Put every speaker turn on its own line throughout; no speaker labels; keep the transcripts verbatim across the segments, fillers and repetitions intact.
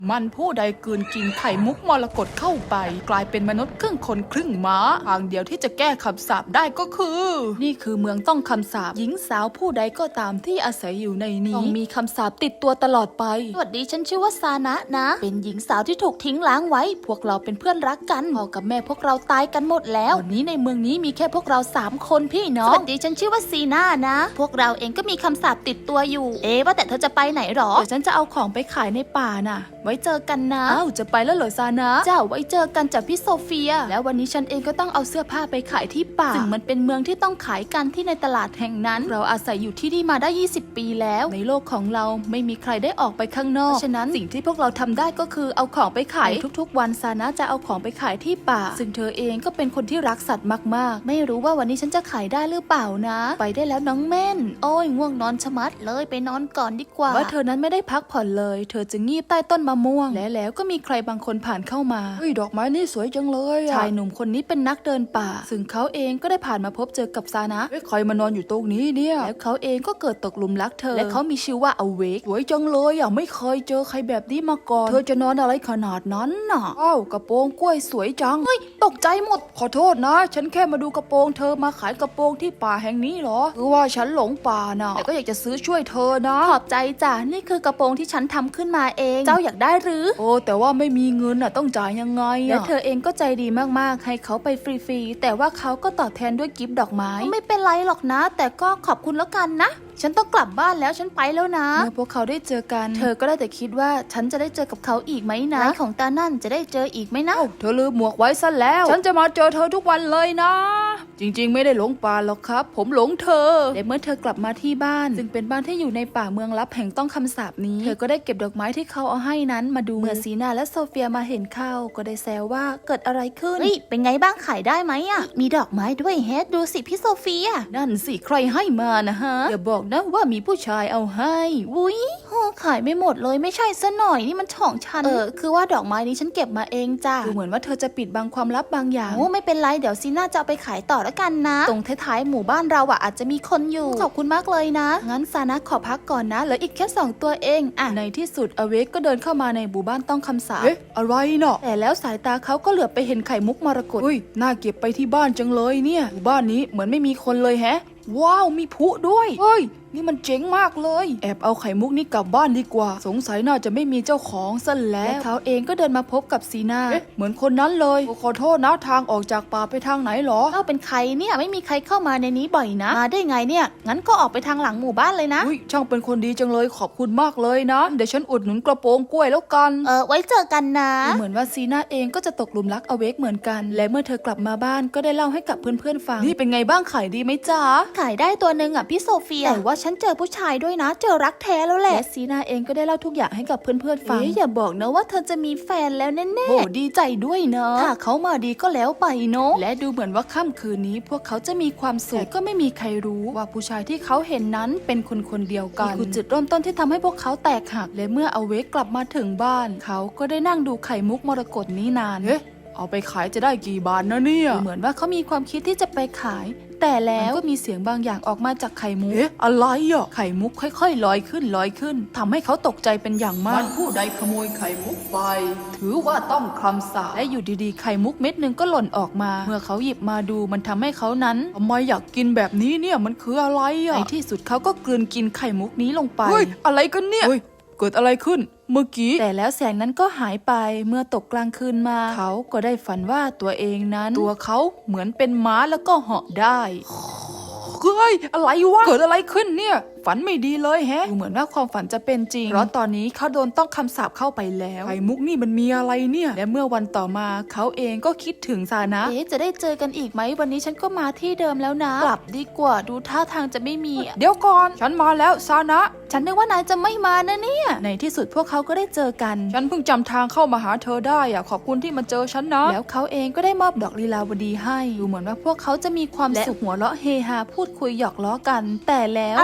มันผู้ใดกลืนกินไข่มุกมรกตเข้าไปกลายเป็นมนุษย์ครึ่งคนครึ่งม้าทางเดียวที่จะแก้คำสาปได้ก็คือ นี่คือเมืองต้องคำสาปหญิงสาวผู้ใดก็ตามที่อาศัยอยู่ในนี้ต้องมีคำสาปติดตัวตลอดไปสวัสดีฉันชื่อว่าซานะนะเป็นหญิงสาวที่ถูกทิ้งล้างไว้พวกเราเป็นเพื่อนรักกันพ่อกับแม่พวกเราตายกันหมดแล้ววันนี้ในเมืองนี้มีแค่พวกเราสามคนพี่น้องสวัสดีฉันชื่อว่าซีน่านะพวกเราเองก็มีคำสาปติดตัวอยู่เอ๊ะว่าแต่เธอจะไปไหนหรอเดี๋ยวฉันจะเอาของไปขายในป่าน่ะไว้เจอกันนะอ้าวจะไปแล้วเหรอซานะเจ้าไว้เจอกันจากพี่โซเฟียแล้ววันนี้ฉันเองก็ต้องเอาเสื้อผ้าไปขายที่ป่าซึ่งมันเป็นเมืองที่ต้องขายกันที่ในตลาดแห่งนั้นเราอาศัยอยู่ที่นี่มาได้ยี่สิบปีแล้วในโลกของเราไม่มีใครได้ออกไปข้างนอกฉะนั้นสิ่งที่พวกเราทำได้ก็คือเอาของไปขายทุกๆวันซานะจะเอาของไปขายที่ป่าซึ่งเธอเองก็เป็นคนที่รักสัตว์มากๆไม่รู้ว่าวันนี้ฉันจะขายได้หรือเปล่านะไปได้แล้วน้องเม่นโอ้ยง่วงนอนชะมัดเลยไปนอนก่อนดีกว่าว่าเธอนั้นไม่ได้พักผ่อนเลยเธอจะงีบใต้ต้นมะม่วงและแล้วก็มีใครบางคนผ่านเข้ามาเฮ้ยดอกไม้นี่สวยจังเลยชายหนุ่มคนนี้เป็นนักเดินป่าซึ่งเขาเองก็ได้ผ่านมาพบเจอกับซานะเฮ้ยใครมานอนอยู่ตรงนี้เนี่ยแล้วเขาเองก็เกิดตกหลุมรักเธอและเขามีชื่อว่าอเวกสวยจังเลยอ่ะไม่เคยเจอใครแบบนี้มาก่อนเธอจะนอนอะไรขนาดนั้นน่ะอ้าวกระโปรงกล้วยสวยจังเฮ้ยตกใจหมดขอโทษนะฉันแค่มาดูกระโปรงเธอมาขายกระโปรงที่ป่าแห่งนี้เหรอคือว่าฉันหลงป่าน่ะแต่ก็อยากจะซื้อช่วยเธอนะขอบใจจ้ะนี่คือกระโปรงที่ฉันทำขึ้นมาเองเจ้าอยากได้หรือโอ้แต่ว่าไม่มีเงินน่ะต้องจ่ายยังไงและเธอเองก็ใจดีมากๆให้เขาไปฟรีๆแต่ว่าเขาก็ตอบแทนด้วยกิฟต์ดอกไม้ไม่เป็นไรหรอกนะแต่ก็ขอบคุณแล้วกันนะฉันต้องกลับบ้านแล้วฉันไปแล้วนะเมื่อพวกเขาได้เจอกันเธอก็ได้แต่คิดว่าฉันจะได้เจอกับเขาอีกไหมนะของตานั่นจะได้เจออีกไหมนะเธอลืมหมวกไว้ซะแล้วฉันจะมาเจอเธอทุกวันเลยนะจริงๆไม่ได้หลงป่าหรอกครับผมหลงเธอและเมื่อเธอกลับมาที่บ้านซึ่งเป็นบ้านที่อยู่ในป่าเมืองลับแห่งต้องคำสาปนี้เธอก็ได้เก็บดอกไม้ที่เขาเอาให้นั้นมาดูเมื่อซีนาและโซเฟียมาเห็นเข้าก็ได้แซวว่าเกิดอะไรขึ้นเฮ้ยเป็นไงบ้างขายได้ไหมอ่ะมีดอกไม้ด้วยเฮดดูสิพี่โซเฟียนั่นสิใครให้มานะฮะอย่าบอกนะว่ามีผู้ชายเอาให้วุ้ยโหขายไม่หมดเลยไม่ใช่ซะหน่อยนี่มันของฉันเออคือว่าดอกไม้นี้ฉันเก็บมาเองจ้ะดูเหมือนว่าเธอจะปิดบังความลับบางอย่างโอ้ไม่เป็นไรเดี๋ยวซีน่าจะเอาไปขายต่อแล้วกันนะตรงท้ายๆหมู่บ้านเราอ่ะอาจจะมีคนอยู่ขอบคุณมากเลยนะงั้นซานะขอพักก่อนนะเหลืออีกแค่สองตัวเองอ่ะในที่สุดอเวกก็เดินเข้ามาในหมู่บ้านต้องคำสาปเอ๊ะอะไรเนาะแต่แล้วสายตาเขาก็เหลือบไปเห็นไข่มุกมรกตอุ้ยน่าเก็บไปที่บ้านจังเลยเนี่ยหมู่บ้านนี้เหมือนไม่มีคนเลยแฮะว้าวมีพลุด้วยเฮ้ยนี่มันเจ๋งมากเลยแอบเอาไข่มุกนี้กลับบ้านดีกว่าสงสัยน่าจะไม่มีเจ้าของซะแล้วและเขาเองก็เดินมาพบกับซีน่าเอ๊ะเหมือนคนนั้นเลยขอโทษนะทางออกจากป่าไปทางไหนหรอเอ้าเป็นใครเนี่ยไม่มีใครเข้ามาในนี้บ่อยนะมาได้ไงเนี่ยงั้นก็ออกไปทางหลังหมู่บ้านเลยนะอุ้ยช่างเป็นคนดีจังเลยขอบคุณมากเลยนะเดี๋ยวฉันอุดหนุนกระโปรงกล้วยแล้วกันเออไว้เจอกันนะเหมือนว่าซีน่าเองก็จะตกหลุมรักอเวกเหมือนกันและเมื่อเธอกลับมาบ้านก็ได้เล่าให้กับเพื่อนๆฟังนี่เป็นไงบ้างขายดีไหมจ๊ะขายได้ตัวนึงอ่ะพี่โซเฟียแต่ว่าฉันเจอผู้ชายด้วยนะเจอรักแท้แล้วแหละและซีนาเองก็ได้เล่าทุกอย่างให้กับเพื่อนๆฟังอย่าบอกนะว่าเธอจะมีแฟนแล้วแน่ๆโอ้ดีใจด้วยเนาะถ้าเขามาดีก็แล้วไปเนาะและดูเหมือนว่าค่ำคืนนี้พวกเขาจะมีความสุขแต่ก็ไม่มีใครรู้ว่าผู้ชายที่เขาเห็นนั้นเป็นคนคนเดียวกันนี่คือจุดเริ่มต้นที่ทำให้พวกเขาแตกหักและเมื่ออเวกกลับมาถึงบ้านเขาก็ได้นั่งดูไข่มุกมรกตนี้นานเอ๊ะเอาไปขายจะได้กี่บาทนะเนี่ยเหมือนว่าเขามีความคิดที่จะไปขายแต่แล้วก็มีเสียงบางอย่างออกมาจากไข่มุกเอ๊ะอะไรอ่ะไข่มุกค่อยๆลอยขึ้นลอยขึ้นทำให้เขาตกใจเป็นอย่างมากมันผู้ใดขโมยไข่มุกไปถือว่าต้องคำสาปและอยู่ดีๆไข่มุกเม็ดนึงก็หล่นออกมาเมื่อเขาหยิบมาดูมันทำให้เขานั้นทำไมอยากกินแบบนี้เนี่ยมันคืออะไรอ่ะในที่สุดเขาก็กลืนกินไข่มุกนี้ลงไปเฮ้ยอะไรกันเนี่ยเกิดอะไรขึ้นเมื่อกี้แต่แล้วแสงนั้นก็หายไปเมื่อตกกลางคืนมาเขาก็ได้ฝันว่าตัวเองนั้นตัวเขาเหมือนเป็นม้าแล้วก็เหาะได้เฮ้ยอะไรวะเกิดอะไรขึ้นเนี่ยฝันไม่ดีเลยแฮะดูเหมือนว่าความฝันจะเป็นจริงเพราะตอนนี้เขาโดนต้องคำสาปเข้าไปแล้วไข่มุกนี่มันมีอะไรเนี่ยและเมื่อวันต่อมาเขาเองก็คิดถึงซานะเอ๊ะจะได้เจอกันอีกไหมวันนี้ฉันก็มาที่เดิมแล้วนะกลับดีกว่าดูท่าทางจะไม่มีเดี๋ยวก่อนฉันมาแล้วซานะฉันนึกว่านายจะไม่มานะเนี่ยในที่สุดพวกเขาก็ได้เจอกันฉันเพิ่งจำทางเข้ามาหาเธอได้อะขอบคุณที่มาเจอฉันนะแล้วเขาเองก็ได้มอบดอกลีลาวดีให้ดูเหมือนว่าพวกเขาจะมีความสุขหัวเราะเฮฮาพูดคุยหยอกล้อกันแต่แล้วอะไรกัน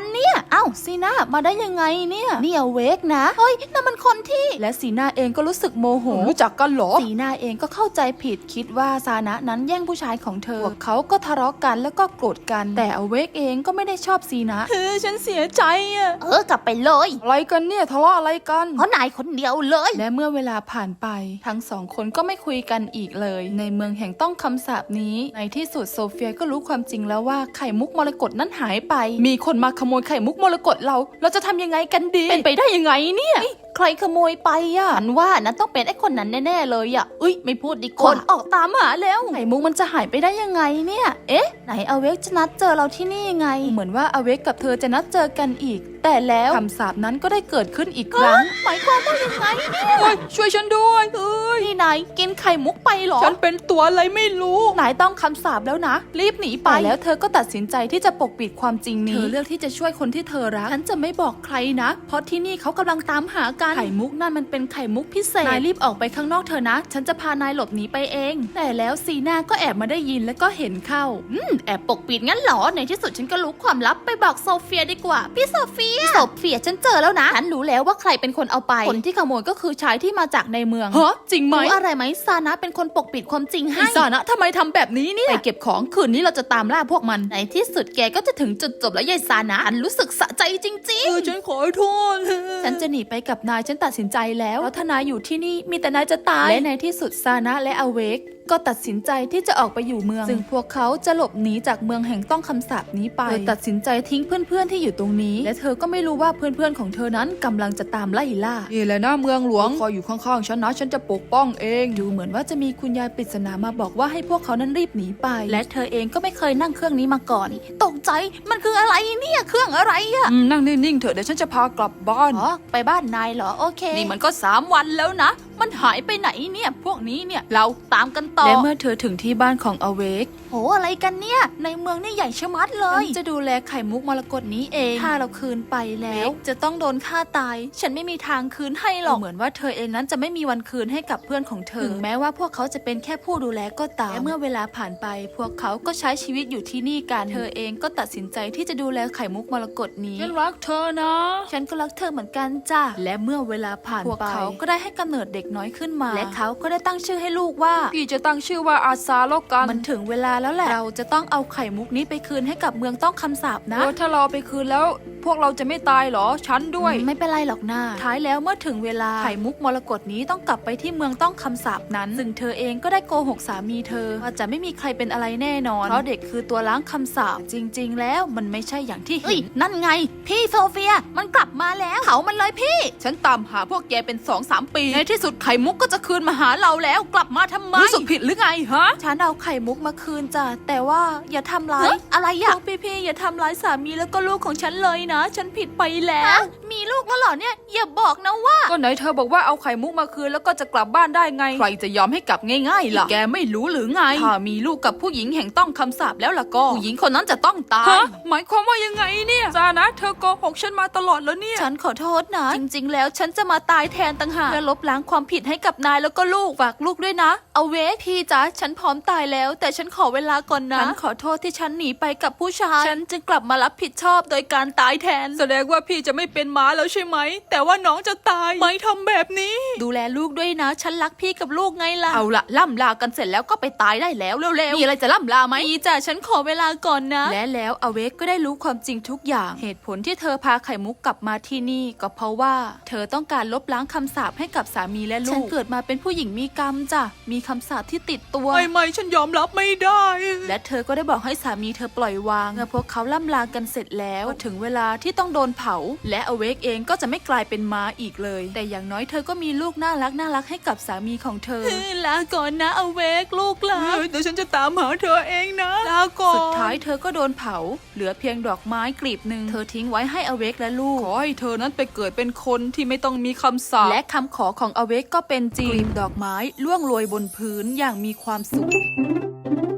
เนี่ยเอ้าซีน่ามาได้ยังไงเนี่ยนี่อเวกนะเฮ้ยนั่นมันคนที่และซีน่าเองก็รู้สึกโมโหรู้จักกันเหรอซีน่าเองก็เข้าใจผิดคิดว่าซานะนั้นแย่งผู้ชายของเธอพวกเขาก็ทะเลาะกันแล้วก็โกรธกันแต่อเวกเองก็ไม่ได้ชอบซีนะเฮ้ยฉันเสียใจอะเออกลับไปเลยอะไรกันเนี่ยทะเลาะอะไรกันเพราะนายคนเดียวเลยและเมื่อเวลาผ่านไปทั้งสองคนก็ไม่คุยกันอีกเลยในเมืองแห่งต้องคำสาปนี้ในที่สุดโซเฟียก็รู้ความจริงแล้วว่าไข่มุกมรกตนั้นหายไปมีคนมาขโมยไข่มุกมรกตเราเราจะทำยังไงกันดีเป็นไปได้ยังไงเนี่ยใครขโมยไปอ่ะฉันว่านั้นต้องเป็นไอ้คนนั้นแน่ๆเลยอ่ะอุ้ยไม่พูดดีกว่าคนออกตามหาแล้วไข่มุกมันจะหายไปได้ยังไงเนี่ยเอ๊ะไหนอเวกจะนัดเจอเราที่นี่ยังไงเหมือนว่าอเวกกับเธอจะนัดเจอกันอีกแต่แล้วคำสาปนั้นก็ได้เกิดขึ้นอีกครั้งหมายความว่ายังไงเนี่ยช่วยฉันด้วยเอ้ยนี่นายกินไข่มุกไปหรอฉันเป็นตัวอะไรไม่รู้นายต้องคำสาปแล้วนะรีบหนีไปแล้วเธอก็ตัดสินใจที่จะปกปิดความจริงนี้เธอเลือกที่จะช่วยคนที่เธอรักฉันจะไม่บอกใครนะเพราะที่นี่เขากำลังตามหากันไข่มุกนั่นมันเป็นไข่มุกพิเศษนายรีบออกไปข้างนอกเธอนะฉันจะพานายหลบหนีไปเองแต่แล้วซีน่าก็แอบมาได้ยินแล้วก็เห็นเข้าอืมแอบปกปิดงั้นเหรอในที่สุดฉันก็รู้ความลับไปบอกโซเฟียดีกว่าพี่โซเฟียโซเฟียฉันเจอแล้วนะฉันรู้แล้วว่าใครเป็นคนเอาไปคนที่ขโมยก็คือชายที่มาจากในเมืองฮะจริงไหมรู้อะไรไหมซานะเป็นคนปกปิดความจริงให้ซานะทำไมทำแบบนี้เนี่ยไปเก็บของคืนนี้เราจะตามล่าพวกมันในที่สุดแกก็จะถึงจุดจบแล้วยายซานะอันรู้สึกสะใจจริงๆเออฉันขอโทษฉันจะหนีไปกับนายฉันตัดสินใจแล้วแล้วถ้านายอยู่ที่นี่มีแต่นายจะตายและในที่สุดซานะและอเวกก็ตัดสินใจที่จะออกไปอยู่เมืองซึ่งพวกเขาจะหลบหนีจากเมืองแห่งต้องคำสาปนี้ไปเธอตัดสินใจทิ้งเพื่อนๆที่อยู่ตรงนี้และเธอก็ไม่รู้ว่าเพื่อนๆของเธอนั้นกำลังจะตามไล่ล่านี่แหละนะเมืองหลวงคอยอยู่ข้างๆฉันนะฉันจะปกป้องเองดูเหมือนว่าจะมีคุณยายปริศนามาบอกว่าให้พวกเขานั้นรีบหนีไปและเธอเองก็ไม่เคยนั่งเครื่องนี้มาก่อนตกใจมันคืออะไรเนี่ยเครื่องอะไรอะนั่งนิ่งๆเถอะเดี๋ยวฉันจะพากลับบ้านอ๋อไปบ้านนายเหรอโอเคนี่มันก็สามวันแล้วนะมันหายไปไหนเนี่ยพวกนี้เนี่ยเราตามกันต่อและเมื่อเธอถึงที่บ้านของอเวกโหอะไรกันเนี่ยในเมืองนี่ใหญ่ชะมัดเลยฉันจะดูแลไข่มุกมรกตนี้เองถ้าเราคืนไปแล้วจะต้องโดนฆ่าตายฉันไม่มีทางคืนให้หรอกเหมือนว่าเธอเองนั้นจะไม่มีวันคืนให้กับเพื่อนของเธอถึงแม้ว่าพวกเขาจะเป็นแค่ผู้ดูแลก็ตามและเมื่อเวลาผ่านไปพวกเขาก็ใช้ชีวิตอยู่ที่นี่กันเธอเองก็ตัดสินใจที่จะดูแลไข่มุกมรกตนี้ฉันรักเธอนะฉันก็รักเธอเหมือนกันจ้ะและเมื่อเวลาผ่านไปพวกเขาก็ได้ให้กำเนิดเด็กน้อยขึ้นมาและเขาก็ได้ตั้งชื่อให้ลูกว่าพี่จะตั้งชื่อว่าอาซาแล้วกันมันถึงเวลาแล้วแหละเราจะต้องเอาไข่มุกนี้ไปคืนให้กับเมืองต้องคำสาปนะถ้าเราไปคืนแล้วพวกเราจะไม่ตายหรอฉันด้วยไม่เป็นไรหรอกนะท้ายแล้วเมื่อถึงเวลาไข่มุกมรกตนี้ต้องกลับไปที่เมืองต้องคำสาปนั้นซึ่งเธอเองก็ได้โกหกสามีเธอว่าจะไม่มีใครเป็นอะไรแน่นอนเพราะเด็กคือตัวล้างคำสาปจริงๆแล้วมันไม่ใช่อย่างที่เห็นนั่นไงพี่โซเฟียมันกลับมาแล้วเขามันเลยพี่ฉันตามหาพวกแกเป็น สองสาม ปีในที่สุดไข่มุกก็จะคืนมาหาเราแล้วกลับมาทำไมรู้สึกผิดหรือไงฮะฉันเอาไข่มุกมาคืนจ้ะแต่ว่าอย่าทำร้ายอะไรอะพี่ๆอย่าทำร้ายสามีแล้วก็ลูกของฉันเลยนะฉันผิดไปแล้วมีลูกแล้วเหรอเนี่ยอย่าบอกนะว่าก็ไหนเธอบอกว่าเอาไข่มุกมาคืนแล้วก็จะกลับบ้านได้ไงใครจะยอมให้กลับง่ายๆล่ะแกไม่รู้หรือไงถ้ามีลูกกับผู้หญิงแห่งต้องคำสาปแล้วล่ะก็ผู้หญิงคนนั้นจะต้องตายหมายความว่ายังไงเนี่ยซานะเธอโกหกฉันมาตลอดแล้วเนี่ยฉันขอโทษนะจริงๆแล้วฉันจะมาตายแทนต่างหากเพื่อลบล้างความผิดให้กับนายแล้วก็ลูกฝากลูกด้วยนะเอาเวกพี่จ๋าฉันพร้อมตายแล้วแต่ฉันขอเวลาก่อนนะฉันขอโทษที่ฉันหนีไปกับผู้ชายฉันจึงกลับมารับผิดชอบโดยการตายแทนแสดงว่าพี่จะไม่เป็นม้าแล้วใช่ไหมแต่ว่าน้องจะตายไม่ทำแบบนี้ดูแลลูกด้วยนะฉันรักพี่กับลูกไงล่ะเอาละล่ำลากันเสร็จแล้วก็ไปตายได้แล้วเร็วๆมีอะไรจะล่ำลาไหมพี่จ๋าฉันขอเวลาก่อนนะและแล้วอเวกก็ได้รู้ความจริงทุกอย่างเหตุผลที่เธอพาไข่มุกกลับมาที่นี่ก็เพราะว่าเธอต้องการลบล้างคำสาปให้กับสามีและลูกฉันเกิดมาเป็นผู้หญิงมีกรรมจ้ะมีคำสาปที่ติดตัวไม่ไม่ฉันยอมรับไม่ได้และเธอก็ได้บอกให้สามีเธอปล่อยวางเมื่อพวกเขาล่ำลากันเสร็จแล้วถึงเวลาที่ต้องโดนเผาและอเวกเองก็จะไม่กลายเป็นม้าอีกเลยแต่อย่างน้อยเธอก็มีลูกน่ารักน่ารักให้กับสามีของเธอลาก่อนนะอเวกลูกลาเดี๋ยวฉันจะตามหาเธอเองนะลาก่อนสุดท้ายเธอก็โดนเผาเหลือเพียงดอกไม้กลีบหนึ่งเธอทิ้งไว้ให้อเวกและลูกขอให้เธอนั้นไปเกิดเป็นคนที่ไม่ต้องมีคำสาปและคำขอของอเวกก็เป็นจริงกลีบดอกไม้ร่วงโรยบนพื้นอย่างมีความสุข